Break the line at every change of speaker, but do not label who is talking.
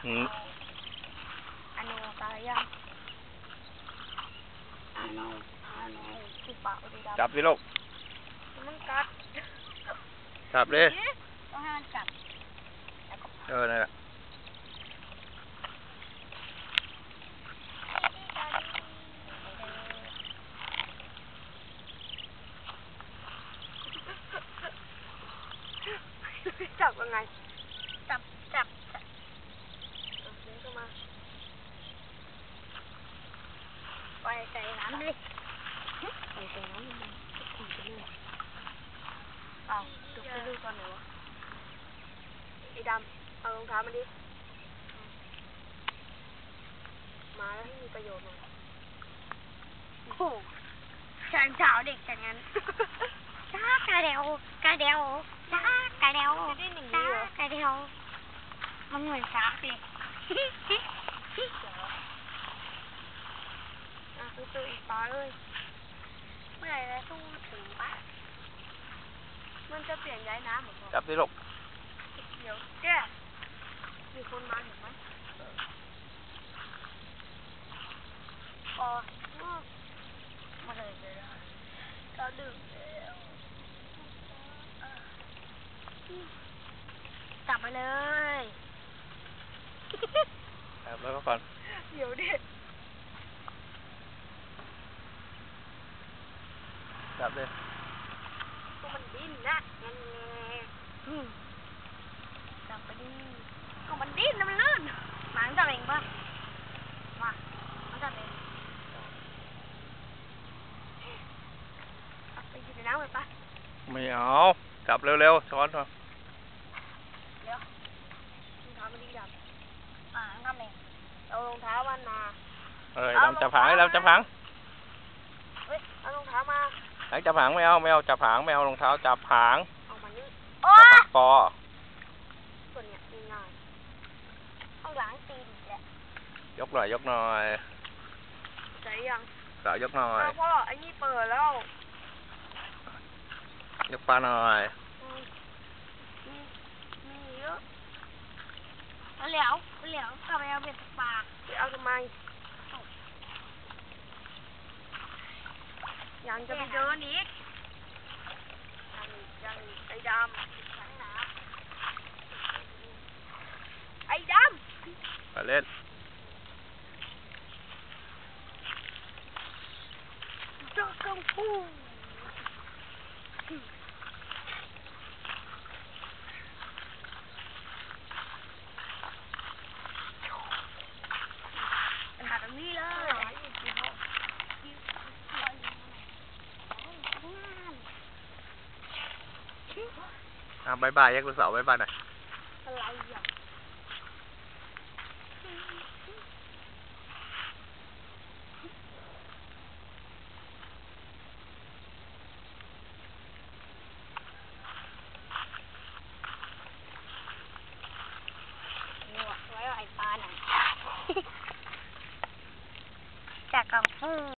อันนู้นตายยังอันนู้นคือปากดีดำ
จับสิลูก
มันกัด
จับเลย
ต้องให้มันจับ
นั่นแหละ
จับยังไงจับดึงเข้ามาไปใส่น้ำดิใส่น้ำมันขุ่นไปเลยอ้าวดูไปดูก่อนหน่อยวะไอ้ดำเอารองเท้ามาดิมาแล้วให้มีประโยชน์หน่อยโอ้โหฉันเช้าเด็กอย่างนั้นจ้ากระเดวจ้ากระเดวจ้ากระเดวมันเหมือนช้างเลยซื้ออีกปลาเลยเมื่อไหร่จะสู้ถึงปะมันจะเปลี่ยนย้ายน้ำเหรอ
จับสิลูก
เดี๋ยวแก้มีคนมาเห็นไหมอ๋อมาเลยเราดื่มจับไปเลย
จับแล้วก็ฟัน
เดี๋ยวดิ
จับเลย
ก็มันดิ้นนะงั้นจับไปดิก็มันดิ้นนะมันลื่นหมาจับเองป่ะมามันจับเองไปกินน้ำไปป่ะ
ไม่เอาจับเร็วๆช้อนมา
เดี๋ยวรองเท้ามันดิ้นจับทำเองเอารองเท้ามันมา
ดำจับหางดำจับหาง
เฮ้ยเอารองเท้ามา
จับหางไม่เอาจับหางไม่เอารองเท้าจับหาง
เอามานี่
จับคอ
ส่วนเนี้ยง่ายต้องล้างตีนแหละ
ยกหน่อย
ใส่ยัง
ยกหน่อย
พ่อไอ้นี่เปิดแล้ว
ยกปลาหน่อย
มีเยอะเหลียวกลับไปเอาเบ็ดปากไปเอาทำไมยังจะไปเดินอีกยังไอ้ดำ
ไปเล่น
เจ้ากังฟูเป็นแบบนี้เลย
บายบายยักษ์ลูกสาวบายบายหน่อย
อะไรอ่ะไว้ไอ้ปลาหน่อยจากกังฟู